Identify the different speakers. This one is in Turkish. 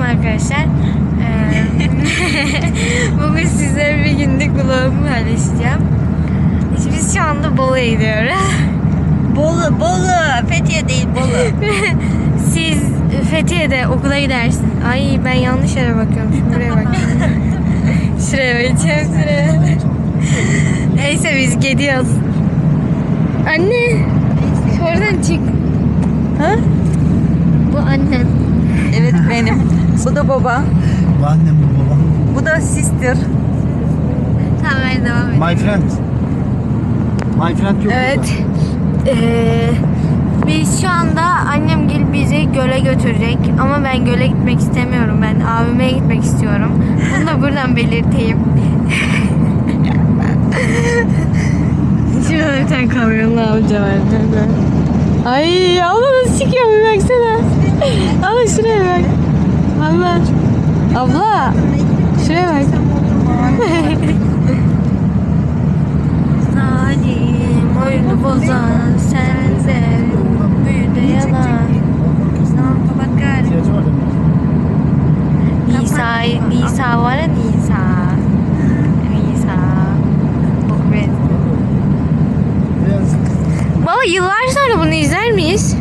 Speaker 1: arkadaşlar. Bugün sizlere bir günlük vlogumu paylaşacağım. Biz şu anda Bolu'ya gidiyoruz.
Speaker 2: Bolu. Fethiye değil, Bolu.
Speaker 1: Siz Fethiye'de okula gidersiniz. Ay ben yanlış yere bakıyorum. Şimdi buraya bakıyorum. Şuraya bakacağım, şuraya. Neyse biz gidiyoruz. Anne. Oradan çık. Ha? Bu annem.
Speaker 2: Evet benim. Bu da baba.
Speaker 3: Bu annem bu babam.
Speaker 2: Bu da sister.
Speaker 1: Tamam ben devam edeyim.
Speaker 3: My friend. My friend yok.
Speaker 1: Evet. Biz şu anda annem gelip bizi göle götürecek. Ama ben göle gitmek istemiyorum. Ben abime gitmek istiyorum. Bunu da buradan belirteyim. Şurada bir tane kamyonlu amca var. Ay abla nasıl çıkıyor bir baksana. Abla şuraya bak. Abla şuraya bak. Salim oyunu bozan sense büyüde yalan.
Speaker 3: İhtiyacı var değil mi?
Speaker 1: Nisa var ya Nisa. Çok benziyor.
Speaker 3: Biraz
Speaker 1: Baba yıllar sonra bunu izler miyiz?